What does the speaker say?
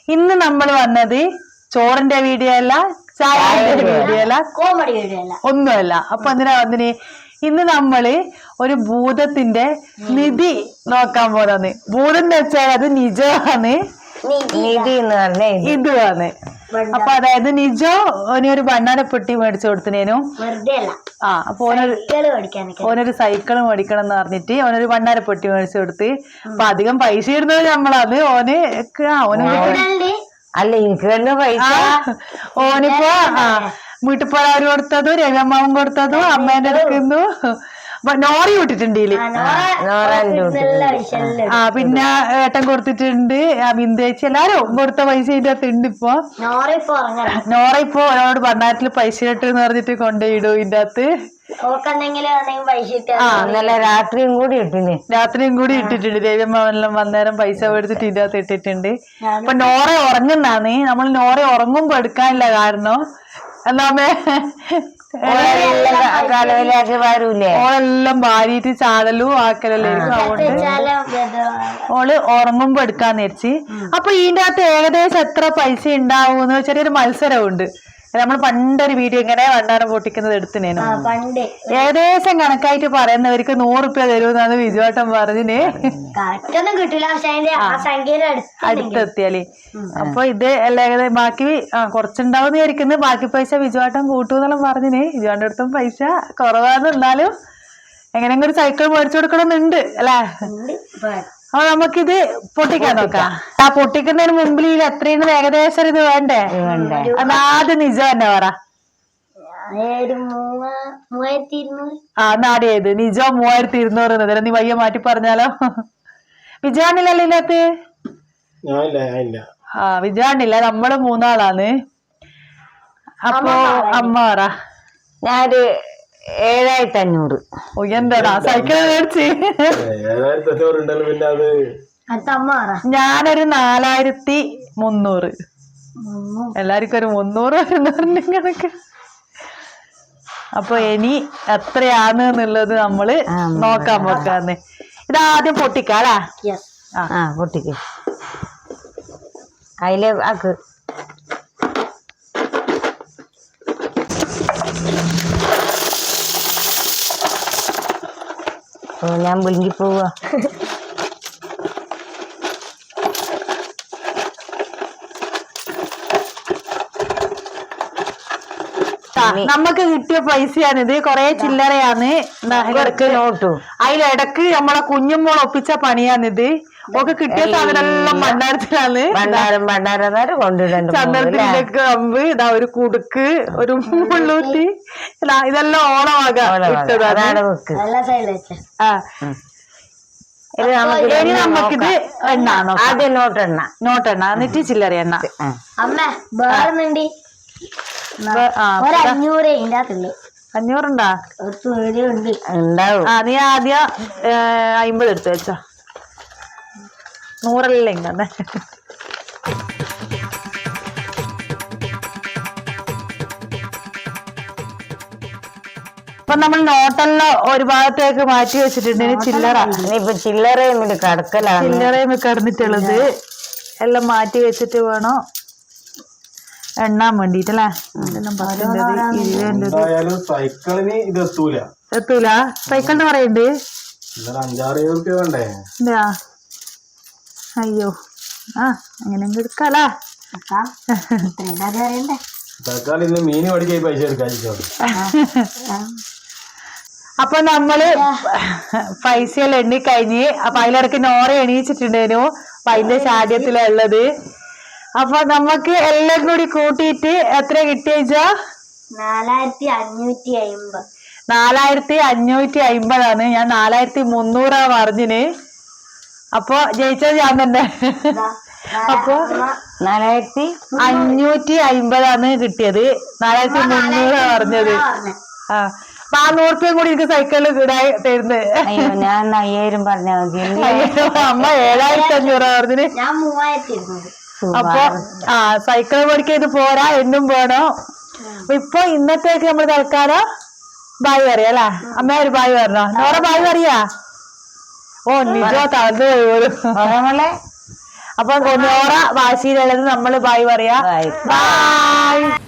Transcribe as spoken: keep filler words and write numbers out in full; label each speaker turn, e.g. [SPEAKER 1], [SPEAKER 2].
[SPEAKER 1] ഇന്ന് നമ്മൾ വന്നത് ചോറിന്റെ വീഡിയോ അല്ല, ചായന്റെ വീഡിയോ അല്ല,
[SPEAKER 2] കോമഡി വീഡിയോ അല്ല,
[SPEAKER 1] ഒന്നുമല്ല. അപ്പൊ എന്തിനാ വന്നിന്? ഇന്ന് നമ്മള് ഒരു ഭൂതത്തിന്റെ നിധി നോക്കാൻ പോന്നെ. ഭൂതം എന്ന് വെച്ചാൽ അത് നിജമാണ്,
[SPEAKER 2] നിധി എന്ന് പറഞ്ഞ
[SPEAKER 1] ഇതുമാണ്. അപ്പൊ അതായത് നിജോ ഓനൊരു ഭണ്ണാരപ്പെട്ടി മേടിച്ചു കൊടുത്തിനേനും. ആ അപ്പൊ ഓനൊരു ഓനൊരു സൈക്കിള് മേടിക്കണം എന്ന് പറഞ്ഞിട്ട് ഓനൊരു ഭണ്ണാരപ്പെട്ടി മേടിച്ചു കൊടുത്ത്. അപ്പൊ അധികം പൈസ ഇടുന്നത് നമ്മളത് ഓന് ഓന്
[SPEAKER 2] അല്ല എനിക്ക് തന്നെ പൈസ.
[SPEAKER 1] ഓനിപ്പോ ആ വീട്ടിപ്പോഴവര് കൊടുത്തതും രവിയമ്മാവൻ കൊടുത്തതും അമ്മേന്റെ എടുക്കുന്നു. നോറി വിട്ടിട്ടുണ്ട്. ആ പിന്നെ ഏട്ടൻ കൊടുത്തിട്ടുണ്ട്, ബിന്ദേച്ചി എല്ലാരും കൊടുത്ത പൈസ ഇതിന്റെ അകത്ത് ഉണ്ട്. ഇപ്പൊ നോറ ഇപ്പൊ ഓനോട് ഭണ്ണാരത്തില് പൈസ ഇട്ടെന്ന് പറഞ്ഞിട്ട് കൊണ്ടുപോയിടും ഇതിന്റെ അകത്ത്.
[SPEAKER 2] രാത്രിയും കൂടി ഇട്ടില്ലേ
[SPEAKER 1] രാത്രിയും കൂടി ഇട്ടിട്ടുണ്ട്. രവിയമ്മാവനെല്ലാം വന്നേരം പൈസ മേടിച്ചിട്ട് ഇതിന്റെ അകത്ത് ഇട്ടിട്ടുണ്ട്. അപ്പൊ നോറ ഉറങ്ങുന്നാന്ന്. നമ്മൾ നോറ ഉറങ്ങുമ്പോ എടുക്കാനില്ല, കാരണം എന്നാമേ ഓളെല്ലാം ഭാര്യയിട്ട് ചാടലും ആക്കലെല്ലായിരിക്കും. അതുകൊണ്ട് ഓള് ഉറങ്ങുമ്പോ എടുക്കാന്ന് വെച്ച്. അപ്പൊ ഇതിന്റെ അകത്ത് ഏകദേശം എത്ര പൈസ ഉണ്ടാവും ചെറിയൊരു മത്സരമുണ്ട്. നമ്മൾ പണ്ടൊരു വീഡിയോ ഇങ്ങനെ വണ്ടാരം പൊട്ടിക്കുന്നത് എടുത്തിനേനു. ഏകദേശം കണക്കായിട്ട് പറയുന്നവർക്ക് നൂറുപ്യ തരുമെന്നാണ് വിജുവാട്ടൻ പറഞ്ഞിന്. അടുത്തെത്തിയാല് അപ്പൊ ഇത് എല്ലാം ഏകദേശം ബാക്കി ആ കുറച്ചുണ്ടാവുന്ന വിചാരിക്കുന്നത്. ബാക്കി പൈസ വിജുവാട്ടൻ കൂട്ടുന്നെല്ലാം പറഞ്ഞിന്. വിജുവാന്റെ അടുത്തും പൈസ കുറവാന്ന്. എന്നാലും എങ്ങനെയെങ്കിലും ഒരു സൈക്കിൾ മേടിച്ചു കൊടുക്കണമെന്നുണ്ട് അല്ലേ? അപ്പൊ നമുക്കിത് പൊട്ടിക്കാൻ നോക്കാം. ആ പൊട്ടിക്കുന്നതിന് മുമ്പിൽ ഇത് എത്രയാണ് ഏകദേശം ഇത് വേണ്ടേ? അതാദ്യം നിജം തന്നെ പറ. ആ നാടിയത് നിജോ മൂവായിരത്തി ഇരുന്നൂറ്. നീ വയ്യ മാറ്റി പറഞ്ഞാലോ? വിജയാണില്ലല്ലോ ഇതിനകത്ത്? ആ വിജയാണില്ല, നമ്മള് മൂന്നാളാണ്. അപ്പൊ അമ്മ പറ.
[SPEAKER 2] ഞാനൊരു ഏഴായിരത്തി അഞ്ഞൂറ്.
[SPEAKER 1] എന്താടാ സൈക്കിൾ മേടിച്ച്? ഞാനൊരു നാലായിരത്തി മുന്നൂറ്. എല്ലാവർക്കും ഒരു മുന്നൂറ് കണക്ക്. അപ്പൊ ഇനി എത്രയാണ് എന്നുള്ളത് നമ്മള് നോക്കാൻ പോക്കാന്ന്. ഇതാദ്യം പൊട്ടിക്കാലാ?
[SPEAKER 2] ആ പൊട്ടിക്ക്. അതില് ആക്ക്. ഞാൻ വിളിങ്ങി പോവാ.
[SPEAKER 1] നമുക്ക് കിട്ടിയ പൈസയാണിത്. കൊറേ ചില്ലറയാണ്. അതിലിടക്ക് നമ്മളെ കുഞ്ഞുമോൾ ഒപ്പിച്ച പണിയാണിത്. ഒക്കെ കിട്ടിയ സാധനം ഭണ്ഡാരത്തിലാണ്. ചന്ദനത്തിന്റെ കമ്പ്, ഇതാ ഒരു കുടുക്ക്, ഒരു മുള്ളൂത്തി, ഇതെല്ലാം ഓണമാക ഇട്ടതാണ്. ആ ഇനി നമുക്കിത് എണ്ണ
[SPEAKER 2] ആദ്യം നോട്ടെണ്ണ
[SPEAKER 1] നോട്ടെണ്ണ എന്നിട്ട് ചില്ലറ എണ്ണ. അഞ്ഞൂറുണ്ടാ? ആ നീ ആദ്യം അയിമ്പത് എടുത്ത് വെച്ചോ. നൂറല്ലേ ഇങ്ങനെ. അപ്പൊ നമ്മൾ നോട്ടെല്ലാം ഒരു ഭാഗത്തേക്ക് മാറ്റി വെച്ചിട്ടുണ്ട്. ചില്ലറ
[SPEAKER 2] ഇപ്പൊ ചില്ലറയും കടക്കലാണ്.
[SPEAKER 1] ചില്ലറയും കിടന്നിട്ടുള്ളത് എല്ലാം മാറ്റി വെച്ചിട്ട് വേണം എണ്ണാൻ വേണ്ടിട്ടല്ലേ. എത്തൂല സൈക്കിളിന് പറയണ്ട്. അയ്യോ ആ അങ്ങനെ എടുക്കാലാ. അപ്പൊ നമ്മള് പൈസയെല്ലാം എണ്ണി കഴിഞ്ഞ്. അപ്പൊ അതിലിടക്ക് നോറ എണീച്ചിട്ടുണ്ടേനു. അപ്പൊ അതിന്റെ ശാഠ്യത്തിലുള്ളത്. അപ്പൊ നമുക്ക് എല്ലാം കൂടി കൂട്ടിയിട്ട് എത്ര കിട്ടിയച്ചാ?
[SPEAKER 2] നാലായിരത്തി അഞ്ഞൂറ്റി അയിമ്പത്.
[SPEAKER 1] നാലായിരത്തി അഞ്ഞൂറ്റി അയിമ്പതാണ്. ഞാൻ നാലായിരത്തി മുന്നൂറാ പറഞ്ഞിന്. അപ്പൊ ജയിച്ചത് ഞാൻ തന്നെ. അപ്പൊ
[SPEAKER 2] നാലായിരത്തി
[SPEAKER 1] അഞ്ഞൂറ്റി അയിമ്പതാണ് കിട്ടിയത്. നാലായിരത്തി മുന്നൂറാ പറഞ്ഞത്. ആ അപ്പൊ ആ നൂറുപ്യം കൂടി എനിക്ക് സൈക്കിളിൽ ഇടായി തരുന്നത്.
[SPEAKER 2] ഞാൻ അയ്യായിരം പറഞ്ഞാൽ മതി.
[SPEAKER 1] അമ്മ ഏഴായിരത്തി അഞ്ഞൂറാ പറഞ്ഞിന്.
[SPEAKER 2] ഞാൻ മൂവായിരത്തി ഇരുന്നൂറ്.
[SPEAKER 1] അപ്പൊ ആ സൈക്കിൾ മേടിക്കാൻ ഇത് പോരാ, എന്നും വേണോ. ഇപ്പൊ ഇന്നത്തേക്ക് നമ്മള് തൽക്കാലം ബായ് പറയാ അല്ലേ? അമ്മ ഒരു ബായ് പറഞ്ഞോ? നോറ ബായ് പറയാ? ഓ നിജോ തളർന്നു പോയി. അപ്പൊ നോറ വാശിയിലുള്ളത് നമ്മള് ബായ് പറയാ.
[SPEAKER 2] Bye.
[SPEAKER 1] ബായ്.